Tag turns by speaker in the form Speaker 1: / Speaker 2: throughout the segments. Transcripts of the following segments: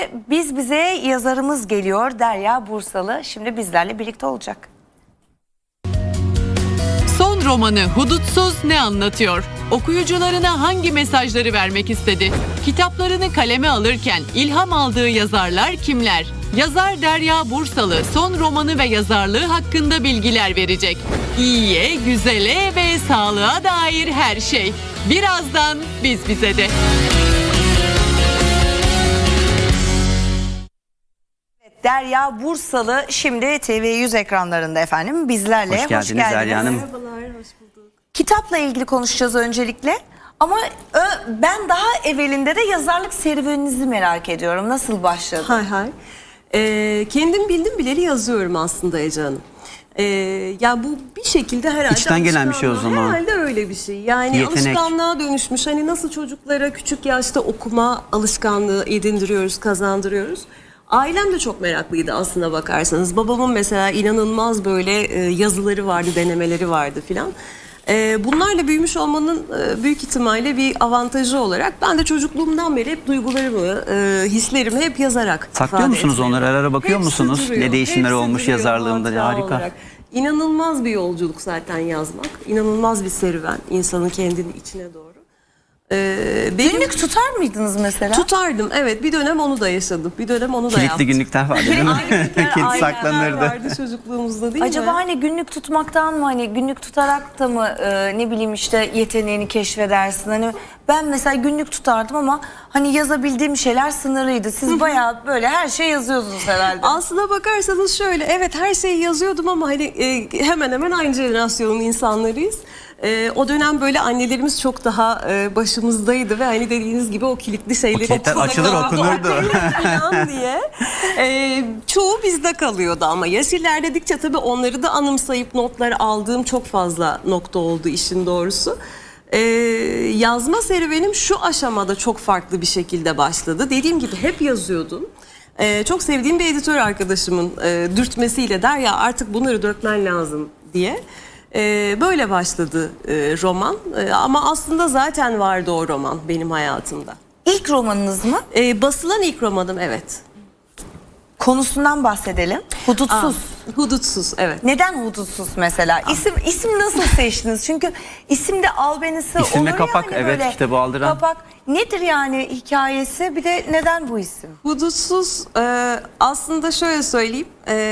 Speaker 1: Biz bize yazarımız geliyor, Derya Bursalı. Şimdi bizlerle birlikte olacak.
Speaker 2: Son romanı Hudutsuz ne anlatıyor? Okuyucularına hangi mesajları vermek istedi? Kitaplarını kaleme alırken ilham aldığı yazarlar kimler? Yazar Derya Bursalı son romanı ve yazarlığı hakkında bilgiler verecek. İyiye, güzele ve sağlığa dair her şey. Birazdan biz bize de.
Speaker 1: Derya Bursalı şimdi TV100 ekranlarında efendim bizlerle.
Speaker 3: Hoş geldiniz Derya Hanım.
Speaker 4: Merhabalar, hoş bulduk.
Speaker 1: Kitapla ilgili konuşacağız öncelikle. Ama ben daha evvelinde de yazarlık serüveninizi merak ediyorum. Nasıl başladı?
Speaker 4: Hay hay. Kendim bildim bileli yazıyorum aslında Ece Hanım. Ya bu bir şekilde herhalde
Speaker 3: İçten gelen bir şey o zaman.
Speaker 4: Herhalde öyle bir şey. Yani
Speaker 3: Yetenek.
Speaker 4: alışkanlığa dönüşmüş. Hani nasıl çocuklara küçük yaşta okuma alışkanlığı edindiriyoruz, kazandırıyoruz. Ailem de çok meraklıydı aslına bakarsanız. Babamın mesela inanılmaz böyle yazıları vardı, denemeleri vardı filan. Bunlarla büyümüş olmanın büyük ihtimalle bir avantajı olarak ben de çocukluğumdan beri hep duygularımı, hislerimi hep yazarak
Speaker 3: Saklıyor
Speaker 4: ifade
Speaker 3: musunuz
Speaker 4: etmeye.
Speaker 3: onları? Ara ara bakıyor
Speaker 4: Hepsi
Speaker 3: musunuz?
Speaker 4: duruyor,
Speaker 3: Ne değişimler
Speaker 4: hepsi
Speaker 3: olmuş
Speaker 4: duruyor
Speaker 3: yazarlığımda?
Speaker 4: hatıra
Speaker 3: Harika.
Speaker 4: olarak. İnanılmaz bir yolculuk zaten yazmak. İnanılmaz bir serüven insanın kendini içine doğru.
Speaker 1: Günlük tutar mıydınız mesela?
Speaker 4: Tutardım, evet, bir dönem onu da yaşadım. Bir dönem onu da
Speaker 3: Kilitli
Speaker 4: yaptım.
Speaker 3: günlükler vardı değil mi? Kilit saklanırdı.
Speaker 4: Vardı çocukluğumuzda değil
Speaker 1: Acaba
Speaker 4: mi?
Speaker 1: hani günlük tutmaktan mı, hani günlük tutarak da mı ne bileyim işte yeteneğini keşfedersin? Hani ben mesela günlük tutardım ama hani yazabildiğim şeyler sınırlıydı. Siz bayağı böyle her şey yazıyordunuz herhalde.
Speaker 4: Aslına bakarsanız şöyle, evet, her şeyi yazıyordum ama hani hemen hemen aynı jenerasyonun insanlarıyız. O dönem böyle annelerimiz çok daha başımızdaydı ve hani dediğiniz gibi o kilitli şeyleri
Speaker 3: kilitler açılır, okunurdu.
Speaker 4: falan diye. Çoğu bizde kalıyordu ama yaş ilerledikçe tabii onları da anımsayıp notlar aldığım çok fazla nokta oldu işin doğrusu. Yazma serüvenim şu aşamada çok farklı bir şekilde başladı. Dediğim gibi hep yazıyordum. Çok sevdiğim bir editör arkadaşımın dürtmesiyle Derya artık bunları dökmen lazım diye. Böyle başladı roman. Ama aslında zaten vardı o roman benim hayatımda.
Speaker 1: İlk romanınız mı?
Speaker 4: Basılan ilk romanım, evet.
Speaker 1: Konusundan bahsedelim. Hudutsuz.
Speaker 4: Hudutsuz, evet.
Speaker 1: Neden hudutsuz mesela? İsim nasıl seçtiniz? Çünkü isimde albenisi
Speaker 3: İsim ve
Speaker 1: olur
Speaker 3: kapak,
Speaker 1: yani
Speaker 3: evet,
Speaker 1: böyle.
Speaker 3: kitabı aldıran.
Speaker 1: Kapak nedir yani hikayesi? Bir de neden bu isim?
Speaker 4: Hudutsuz aslında şöyle söyleyeyim.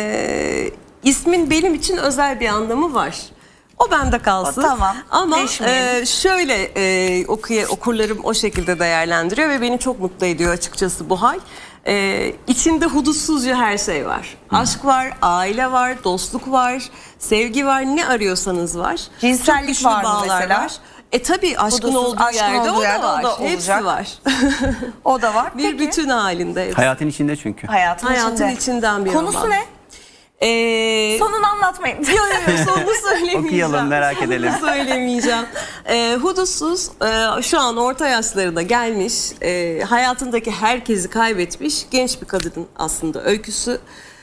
Speaker 4: İsmin benim için özel bir anlamı var. O bende kalsın.
Speaker 1: O tamam,
Speaker 4: Ama
Speaker 1: değişmeyelim.
Speaker 4: şöyle okurlarım o şekilde değerlendiriyor ve beni çok mutlu ediyor açıkçası bu hal. İçinde hudutsuzca her şey var. Aşk var, aile var, dostluk var, sevgi var, ne arıyorsanız var.
Speaker 1: Cinsellik
Speaker 4: Çok güçlü
Speaker 1: var mı
Speaker 4: bağlar
Speaker 1: mesela?
Speaker 4: Var. Tabii aşkın
Speaker 1: Hudutsuz,
Speaker 4: olduğu
Speaker 1: aşkın
Speaker 4: yerde,
Speaker 1: olduğu
Speaker 4: o
Speaker 1: yerde
Speaker 4: da var.
Speaker 1: o da
Speaker 4: Hepsi
Speaker 1: olacak.
Speaker 4: var.
Speaker 1: O da var.
Speaker 4: Bir
Speaker 1: Peki.
Speaker 4: bütün halinde. hepsi.
Speaker 3: Hayatın içinde çünkü.
Speaker 1: Hayatın
Speaker 4: içinden bir
Speaker 1: Konusu
Speaker 4: roman.
Speaker 1: ne? Sonunu anlatmayın.
Speaker 4: Yok sonunu söylemeyeceğim.
Speaker 3: Okuyalım, merak edelim.
Speaker 4: Sonunu söylemeyeceğim. Hudutsuz şu an orta yaşlarına gelmiş, hayatındaki herkesi kaybetmiş genç bir kadının aslında öyküsü.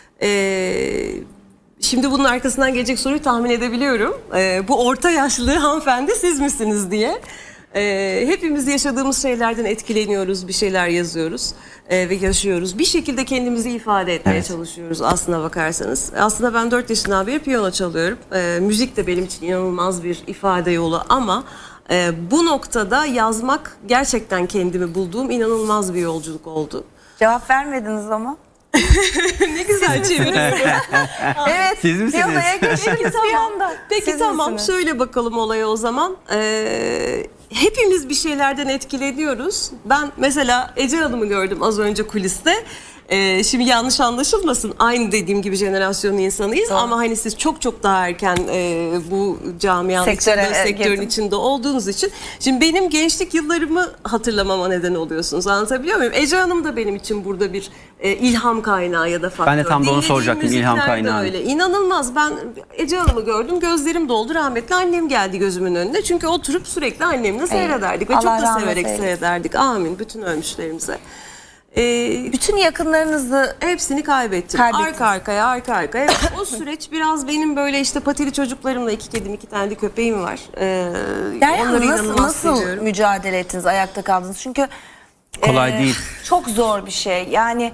Speaker 4: Şimdi bunun arkasından gelecek soruyu tahmin edebiliyorum. Bu orta yaşlı hanımefendi siz misiniz diye. Hepimiz yaşadığımız şeylerden etkileniyoruz, bir şeyler yazıyoruz ve yaşıyoruz. Bir şekilde kendimizi ifade etmeye çalışıyoruz aslına bakarsanız. Aslında ben 4 yaşından beri piyano çalıyorum. Müzik de benim için inanılmaz bir ifade yolu ama bu noktada yazmak gerçekten kendimi bulduğum inanılmaz bir yolculuk oldu.
Speaker 1: Cevap vermediniz ama.
Speaker 4: Ne güzel çeviriyorum.
Speaker 1: Evet.
Speaker 3: Siz misiniz?
Speaker 1: Piyanoya geçtiniz bir anda.
Speaker 4: Peki
Speaker 1: Siz
Speaker 4: tamam,
Speaker 1: misiniz?
Speaker 4: şöyle bakalım olaya o zaman. Hepimiz bir şeylerden etkileniyoruz. Ben mesela Ece Hanım'ı gördüm az önce kuliste. Şimdi yanlış anlaşılmasın, aynı dediğim gibi jenerasyonun insanıyız ama hani siz çok çok daha erken bu camianın sektörün
Speaker 1: girdim.
Speaker 4: içinde olduğunuz için şimdi benim gençlik yıllarımı hatırlamama neden oluyorsunuz, anlatabiliyor muyum? Ece Hanım da benim için burada bir ilham kaynağı ya da faktör.
Speaker 3: Ben de tam da onu soracaktım,
Speaker 4: Dinlediğim
Speaker 3: ilham
Speaker 4: müzikler de
Speaker 3: kaynağı.
Speaker 4: öyle. İnanılmaz, ben Ece Hanım'ı gördüm, gözlerim doldu, rahmetli annem geldi gözümün önüne çünkü oturup sürekli annemle seyrederdik ve çok
Speaker 1: Allah
Speaker 4: da
Speaker 1: rahmet
Speaker 4: severek
Speaker 1: eylesin.
Speaker 4: seyrederdik, amin bütün ölmüşlerimize.
Speaker 1: Bütün yakınlarınızı
Speaker 4: Hepsini kaybettim.
Speaker 1: Kaybettiniz.
Speaker 4: Arka arkaya. Evet, o süreç biraz benim böyle işte patili çocuklarımla, 2 kedim 2 tane de köpeğim var.
Speaker 1: Derya
Speaker 4: Onları
Speaker 1: Hanım
Speaker 4: inanılmaz
Speaker 1: nasıl
Speaker 4: seviyorum.
Speaker 1: mücadele ettiniz, ayakta kaldınız? Çünkü
Speaker 3: Kolay değil.
Speaker 1: Çok zor bir şey. Yani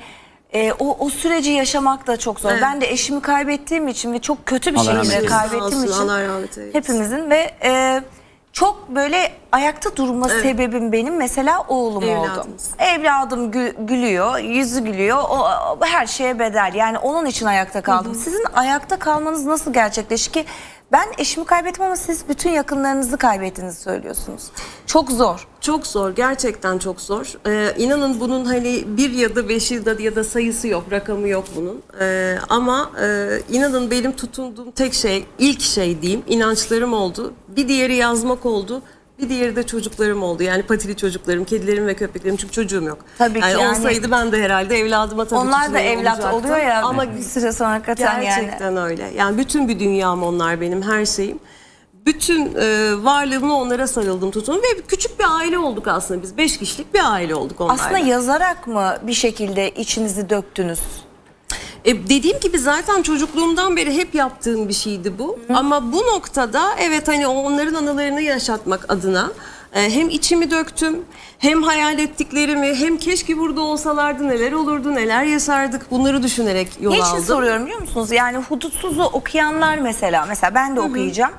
Speaker 1: o süreci yaşamak da çok zor.
Speaker 4: Evet.
Speaker 1: Ben de eşimi kaybettiğim için ve çok kötü bir
Speaker 3: Allah rahmet
Speaker 1: şekilde
Speaker 3: eylesin.
Speaker 1: kaybettiğim
Speaker 4: Olsun,
Speaker 1: için
Speaker 4: Allah rahmet eylesin.
Speaker 1: hepimizin ve çok böyle ayakta durma sebebim benim mesela oğlum oldu.
Speaker 4: Evladınız.
Speaker 1: Evladım gülüyor, yüzü gülüyor. O her şeye bedel. Yani onun için ayakta kaldım. Sizin ayakta kalmanız nasıl gerçekleşti ki? Ben eşimi kaybettim ama siz bütün yakınlarınızı kaybettiğinizi söylüyorsunuz. Çok zor.
Speaker 4: Çok zor, gerçekten çok zor. İnanın bunun hani 1 ya da 5 ya da sayısı yok, rakamı yok bunun. Ama inanın benim tutunduğum tek şey, ilk şey diyeyim, inançlarım oldu. Bir diğeri yazmak oldu. Bir diğeri de çocuklarım oldu. Yani patili çocuklarım, kedilerim ve köpeklerim, çünkü çocuğum yok.
Speaker 1: Tabii ki yani.
Speaker 4: Olsaydı ben de herhalde evladıma tabii
Speaker 1: Onlar da
Speaker 4: tutunuyor
Speaker 1: evlat
Speaker 4: olacaktım.
Speaker 1: oluyor ya
Speaker 4: Ama
Speaker 1: bir süre sonra hakikaten yani.
Speaker 4: gerçekten öyle. Yani bütün bir dünyam onlar, benim her şeyim. Bütün varlığımla onlara sarıldım, tutundum ve küçük bir aile olduk aslında biz. 5 kişilik bir aile olduk onlarla.
Speaker 1: Aslında yazarak mı bir şekilde içinizi döktünüz?
Speaker 4: Dediğim gibi zaten çocukluğumdan beri hep yaptığım bir şeydi bu. Ama bu noktada evet hani onların anılarını yaşatmak adına hem içimi döktüm, hem hayal ettiklerimi, hem keşke burada olsalardı neler olurdu, neler yaşardık, bunları düşünerek yol
Speaker 1: Niçin
Speaker 4: aldım.
Speaker 1: soruyorum biliyor musunuz? Yani Hudutsuz'u okuyanlar mesela ben de okuyacağım.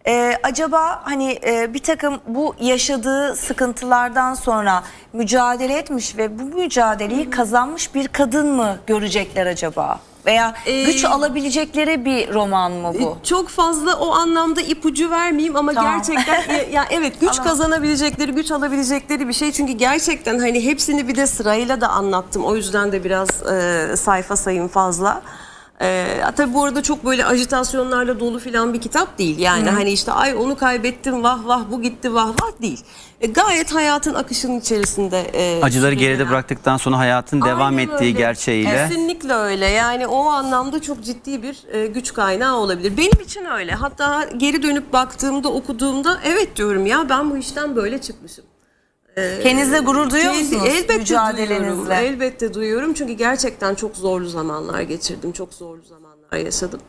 Speaker 1: Acaba hani bir takım bu yaşadığı sıkıntılardan sonra mücadele etmiş ve bu mücadeleyi kazanmış bir kadın mı görecekler acaba? Veya güç alabilecekleri bir roman mı bu?
Speaker 4: Çok fazla o anlamda ipucu vermeyeyim ama
Speaker 1: Tamam.
Speaker 4: gerçekten ya evet, güç kazanabilecekleri, güç alabilecekleri bir şey. Çünkü gerçekten hani hepsini bir de sırayla da anlattım. O yüzden de biraz sayfa sayım fazla. Tabii bu arada çok böyle ajitasyonlarla dolu filan bir kitap değil. Yani hani işte ay onu kaybettim, vah vah bu gitti, vah vah değil. Gayet hayatın akışının içerisinde.
Speaker 3: Acıları geride
Speaker 4: sürüklenen.
Speaker 3: bıraktıktan sonra hayatın devam
Speaker 4: Aynen
Speaker 3: ettiği
Speaker 4: öyle.
Speaker 3: gerçeğiyle.
Speaker 4: Kesinlikle öyle. Yani o anlamda çok ciddi bir güç kaynağı olabilir. Benim için öyle. Hatta geri dönüp baktığımda, okuduğumda evet diyorum ya, ben bu işten böyle çıkmışım.
Speaker 1: Kendinizle gurur duyuyor musunuz
Speaker 4: Elbette
Speaker 1: mücadelenizle?
Speaker 4: duyuyorum. Elbette duyuyorum. Çünkü gerçekten çok zorlu zamanlar geçirdim. Çok zorlu zamanlar yaşadım.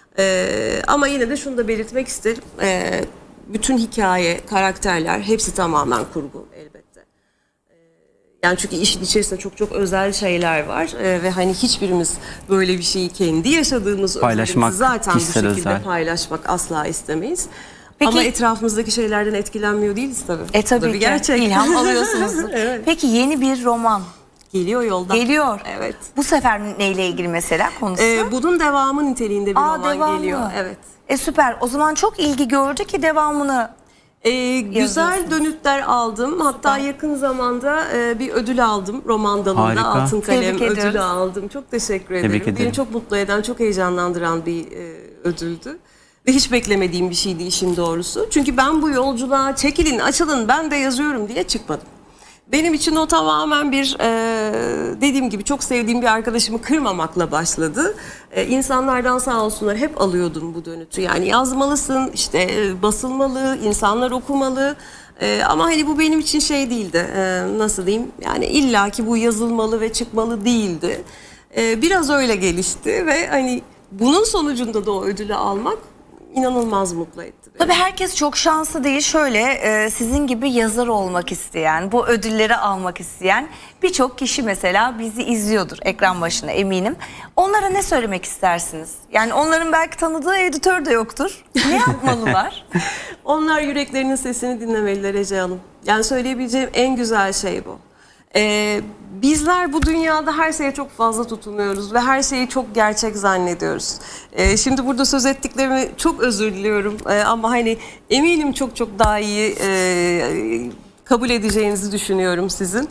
Speaker 4: Ama yine de şunu da belirtmek isterim. Bütün hikaye, karakterler hepsi tamamen kurgu elbette. Yani çünkü işin içerisinde çok çok özel şeyler var. Ve hani hiçbirimiz böyle bir şeyi kendi yaşadığımız
Speaker 3: Paylaşmak,
Speaker 4: özelimizi zaten bu
Speaker 3: kişisel
Speaker 4: şekilde
Speaker 3: özel.
Speaker 4: paylaşmak asla istemeyiz.
Speaker 1: Peki-
Speaker 4: Ama etrafımızdaki şeylerden etkilenmiyor değiliz tabii. Bu da
Speaker 1: Tabii
Speaker 4: bir
Speaker 1: ki
Speaker 4: gerçek.
Speaker 1: ilham alıyorsunuzdur.
Speaker 4: Evet.
Speaker 1: Peki yeni bir roman
Speaker 4: Geliyor yolda.
Speaker 1: geliyor.
Speaker 4: Evet.
Speaker 1: Bu sefer neyle ilgili mesela konusu?
Speaker 4: Bunun devamı niteliğinde bir roman
Speaker 1: devamı.
Speaker 4: geliyor. Evet.
Speaker 1: Süper. O zaman çok ilgi gördü ki devamını.
Speaker 4: Güzel
Speaker 1: Yazıyorsunuz.
Speaker 4: dönütler aldım. Hatta yakın zamanda bir ödül aldım roman dalında.
Speaker 3: Harika.
Speaker 4: Altın Kalem
Speaker 1: Tebrik ediyoruz.
Speaker 4: ödülü aldım. Çok teşekkür ederim.
Speaker 3: Tebrik ederim.
Speaker 4: Beni çok mutlu eden, çok heyecanlandıran bir ödüldü. Ve hiç beklemediğim bir şeydi işin doğrusu. Çünkü ben bu yolculuğa çekilin, açılın, ben de yazıyorum diye çıkmadım. Benim için o tamamen bir dediğim gibi çok sevdiğim bir arkadaşımı kırmamakla başladı. İnsanlardan sağ olsunlar hep alıyordum bu dönütü. Yani yazmalısın, işte basılmalı, insanlar okumalı. Ama hani bu benim için şey değildi. Nasıl diyeyim? Yani illaki bu yazılmalı ve çıkmalı değildi. Biraz öyle gelişti ve hani bunun sonucunda da o ödülü almak inanılmaz mutlu etti beni.
Speaker 1: Tabii herkes çok şanslı değil. Şöyle sizin gibi yazar olmak isteyen, bu ödülleri almak isteyen birçok kişi mesela bizi izliyordur ekran başına eminim. Onlara ne söylemek istersiniz? Yani onların belki tanıdığı editör de yoktur. Ne yapmalılar?
Speaker 4: Onlar yüreklerinin sesini dinlemeliler Ece Hanım. Yani söyleyebileceğim en güzel şey bu. Bizler bu dünyada her şeye çok fazla tutunuyoruz ve her şeyi çok gerçek zannediyoruz. Şimdi burada söz ettiklerimi çok özür diliyorum ama hani eminim çok çok daha iyi kabul edeceğinizi düşünüyorum sizin.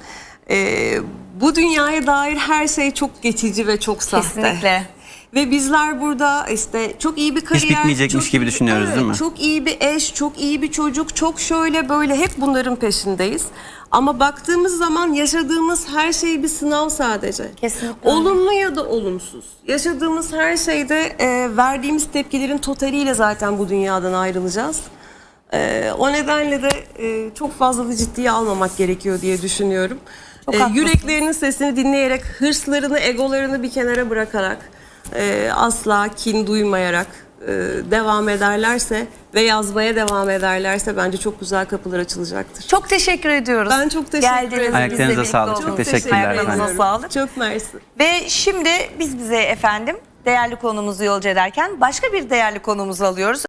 Speaker 4: Bu dünyaya dair her şey çok geçici ve çok sahte.
Speaker 1: Kesinlikle.
Speaker 4: Ve bizler burada işte çok iyi bir kariyer,
Speaker 3: bitmeyecekmiş
Speaker 4: çok
Speaker 3: gibi
Speaker 4: iyi-
Speaker 3: düşünüyoruz,
Speaker 4: evet,
Speaker 3: değil mi?
Speaker 4: Çok iyi bir eş, çok iyi bir çocuk, çok şöyle böyle hep bunların peşindeyiz. Ama baktığımız zaman yaşadığımız her şey bir sınav sadece.
Speaker 1: Kesinlikle.
Speaker 4: Olumlu ya da olumsuz. Yaşadığımız her şeyde verdiğimiz tepkilerin totaliyle zaten bu dünyadan ayrılacağız. O nedenle de çok fazla da ciddiye almamak gerekiyor diye düşünüyorum.
Speaker 1: Çok haklısın.
Speaker 4: Yüreklerinin sesini dinleyerek, hırslarını, egolarını bir kenara bırakarak, asla kin duymayarak devam ederlerse ve yazmaya devam ederlerse bence çok güzel kapılar açılacaktır.
Speaker 1: Çok teşekkür ediyoruz.
Speaker 4: Ben çok teşekkür ederim.
Speaker 1: Geldiniz,
Speaker 3: Ayaklarınıza
Speaker 1: bizle birlikte
Speaker 3: sağlık. Çok
Speaker 1: oldunuz.
Speaker 3: teşekkürler
Speaker 1: Ayaklarınıza
Speaker 3: efendim.
Speaker 1: sağlık.
Speaker 4: Çok mersi.
Speaker 1: Ve şimdi biz bize efendim değerli konumuzu yolcu ederken başka bir değerli konumuzu alıyoruz.